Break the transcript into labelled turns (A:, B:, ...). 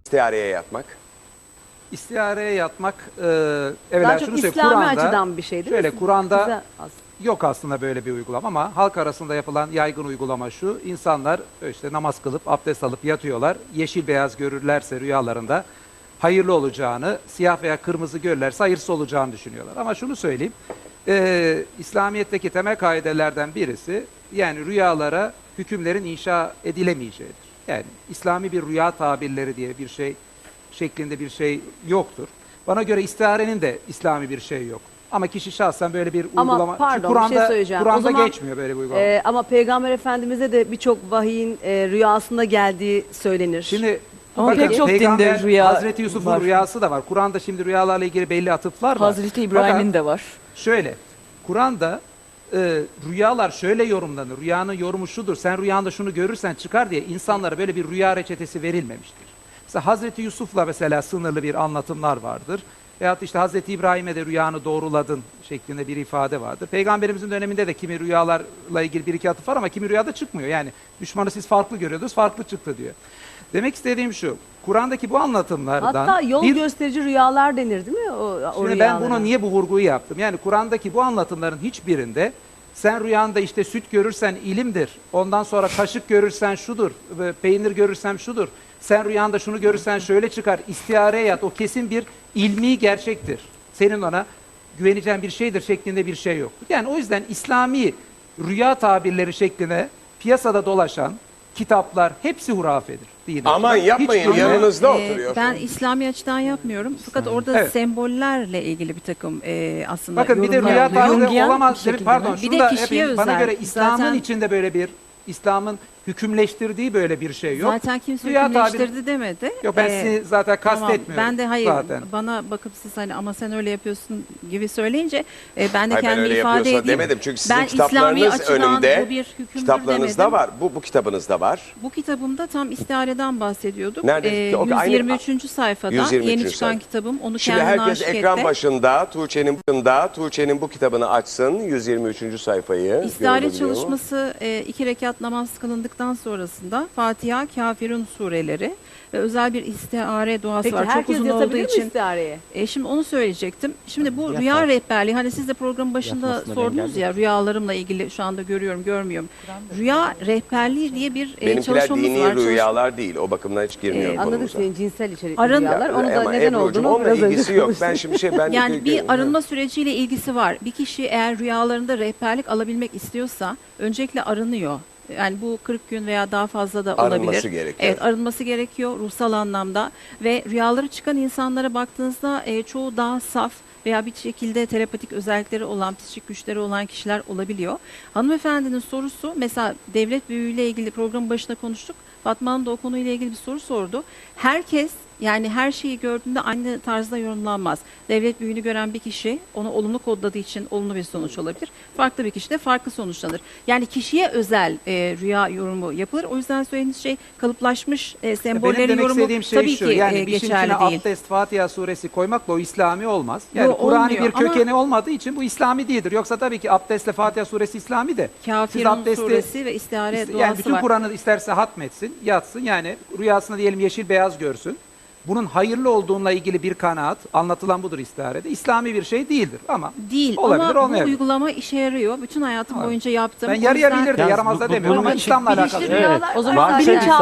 A: İstihareye yatmak.
B: İstihareye yatmak, evvela
C: Daha çok
B: şunu söyleyeyim,
C: İslami
B: Kur'an'da,
C: açıdan bir şey değil mi?
B: şöyle Kur'an'da
C: Güzel aslında.
B: yok aslında böyle bir uygulama ama halk arasında yapılan yaygın uygulama şu: insanlar işte namaz kılıp abdest alıp yatıyorlar. Yeşil beyaz görürlerse rüyalarında hayırlı olacağını, siyah veya kırmızı görürlerse hayırsız olacağını düşünüyorlar. Ama şunu söyleyeyim, İslamiyet'teki temel kaidelerden birisi, yani rüyalara hükümlerin inşa edilemeyeceğidir. Yani İslami bir rüya tabirleri diye bir şey şeklinde bir şey yoktur. Bana göre istiharenin de İslami bir şey yok. Ama kişi şahsen böyle bir
C: Ama
B: uygulama...
C: pardon, bir şey söyleyeceğim. O
B: Kur'an'da
C: zaman,
B: geçmiyor böyle bir uygulama.
C: Ama Peygamber Efendimiz'e de birçok vahiyin rüyasında geldiği söylenir.
B: Şimdi
D: Ama
B: bakın,
D: pek çok
B: Peygamber,
D: dinde rüya
B: Hazreti Yusuf'un
D: var.
B: rüyası da var. Kur'an'da şimdi rüyalarla ilgili belli atıflar var.
D: Hazreti İbrahim'in de var.
B: Şöyle, Kur'an'da rüyalar şöyle yorumlanır. Rüyanın yorumu şudur: sen rüyanda şunu görürsen çıkar diye insanlara böyle bir rüya reçetesi verilmemiştir. Mesela Hazreti Yusuf'la mesela sınırlı bir anlatımlar vardır. Veyahut işte Hazreti İbrahim'e de rüyanı doğruladın şeklinde bir ifade vardır. Peygamberimizin döneminde de kimi rüyalarla ilgili bir iki atıf var ama kimi rüyada çıkmıyor. Yani düşmanı siz farklı görüyordunuz, farklı çıktı diyor. Demek istediğim şu: Kur'an'daki bu anlatımlardan...
C: Hatta yol gösterici rüyalar denir değil mi? O
B: Şimdi ben
C: rüyalara.
B: bunu niye bu vurguyu yaptım? Yani Kur'an'daki bu anlatımların hiçbirinde sen rüyanda işte süt görürsen ilimdir, ondan sonra kaşık görürsen şudur, peynir görürsen şudur, sen rüyanda şunu görürsen şöyle çıkar, istihareye yat, o kesin bir ilmi gerçektir, senin ona güveneceğin bir şeydir şeklinde bir şey yoktur. Yani o yüzden İslami rüya tabirleri şeklinde piyasada dolaşan kitaplar hepsi hurafedir. Dine.
A: Aman yapmayın,
B: Hiçbiri-
A: yanınızda oturuyor.
E: Ben İslami açıdan yapmıyorum. Fakat orada
B: Evet.
E: sembollerle ilgili bir takım aslında
B: Bakın bir de
E: yorumlar
B: rüya
E: oluyor.
B: tabiri
D: Jungian
B: olamaz.
D: bir şekilde
B: Pardon,
E: mi?
B: şunu
E: Bir de
B: da
E: kişiye
B: yapayım. Bana
E: özel.
B: göre İslam'ın
E: Zaten-
B: içinde böyle bir, İslam'ın hükümleştirdiği böyle bir şey yok.
E: Zaten kimse
B: Rüya tabiri-
E: hükümleştirdi demedi.
B: Yok, ben sizi zaten
E: Tamam,
B: kastetmiyorum.
E: ben de hayır,
B: zaten.
E: bana bakıp siz hani ama sen öyle yapıyorsun gibi söyleyince ben de
A: Hayır, ben
E: kendimi
A: öyle
E: ifade
A: yapıyorsa
E: edeyim.
A: demedim. Çünkü sizin
E: Ben İslami
A: kitaplarınız
E: açıdan
A: önümde.
E: bu bir hükümdür
A: Kitaplarınızda
E: demedim.
A: var. Bu kitabınızda var.
E: Bu kitabımda tam istihareden bahsediyorduk.
A: Nerede? O aynı-
E: 123. sayfada
A: 123.
E: yeni çıkan
A: sayfa.
E: kitabım. Onu
A: Şimdi
E: kendine
A: herkes
E: aşık
A: ekran
E: etti.
A: başında Tuğçe'nin bu kitabını açsın. 123. sayfayı.
E: İstihare
A: Görülebiliyor mu?
E: çalışması 2 rekat namaz kılındıktan sonrasında Fatiha, Kafirun sureleri ve özel bir istihare duası
C: Peki
E: var. Çok
C: herkes
E: uzun olduğu
C: yatabilir mi
E: için.
C: istihareye?
E: Şimdi onu söyleyecektim. Şimdi bu
D: Yatar.
E: rüya rehberliği, hani siz de programın başında
D: Yatmasına
E: sordunuz
D: engelli.
E: ya, rüyalarımla ilgili şu anda görüyorum, görmüyorum. Rüya rehberliği diye bir
A: Benimkiler
E: çalışmamız
A: dini
E: var.
A: rüyalar değil. O bakımdan hiç girmiyorum
C: Anladık
A: konumuza.
C: senin cinsel içerikli
E: Arın-
C: rüyalar. Onu da
A: Ama
C: neden
A: Ebru'cum,
C: olduğunu
A: onunla
C: biraz önce
A: ilgisi yok.
C: konuştuk.
A: Ben şimdi ben
E: Yani bir arınma süreciyle ilgisi var. Bir kişi eğer rüyalarında rehberlik alabilmek istiyorsa öncelikle arınıyor. Yani bu 40 gün veya daha fazla da olabilir.
A: Arınması gerekiyor.
E: Evet, arınması gerekiyor ruhsal anlamda ve rüyaları çıkan insanlara baktığınızda çoğu daha saf veya bir şekilde terapatik özellikleri olan, psikik güçleri olan kişiler olabiliyor. Hanımefendinin sorusu, mesela devlet büyüğüyle ilgili programın başında konuştuk. Fatma Hanım da o konuyla ilgili bir soru sordu. Herkes, yani her şeyi gördüğünde aynı tarzda yorumlanmaz. Devlet büyüğünü gören bir kişi onu olumlu kodladığı için olumlu bir sonuç olabilir. Farklı bir kişi de farklı sonuçlanır. Yani kişiye özel rüya yorumu yapılır. O yüzden söylediğiniz şey kalıplaşmış
B: Benim
E: sembollerin
B: demek
E: yorumu
B: istediğim şey
E: tabii
B: şu:
E: ki
B: yani bir işin
E: geçerli
B: içine
E: değil.
B: abdest, Fatiha suresi koymakla o İslami olmaz. Yani
E: Yo,
B: Kur'an'ı
E: olmuyor
B: bir
E: ama-
B: kökeni olmadığı için bu İslami değildir. Yoksa tabii ki abdestle Fatiha suresi İslami de. Siz
E: Kafirun
B: abdesti-
E: suresi ve istihare duası
B: yani bütün
E: var.
B: Kur'an'ı isterse hatmetsin, yatsın, yani rüyasında diyelim yeşil beyaz görsün. Bunun hayırlı olduğunla ilgili bir kanaat, anlatılan budur istiharede. İslami bir şey değildir ama
E: Değil
B: olabilir,
E: ama bu
B: olmayabilir.
E: uygulama işe yarıyor. Bütün hayatım boyunca yaptım.
B: Ben
E: O
B: yarı
E: yüzden-
B: yarabilir de
D: Yalnız
B: yaramaz da
D: bu-
B: demiyorum ama
D: bunun
B: İslam'la
C: Bilinçli
B: alakalı.
C: rüyalar
D: O
C: var
D: zaman
C: zaten.
D: bilinçaltı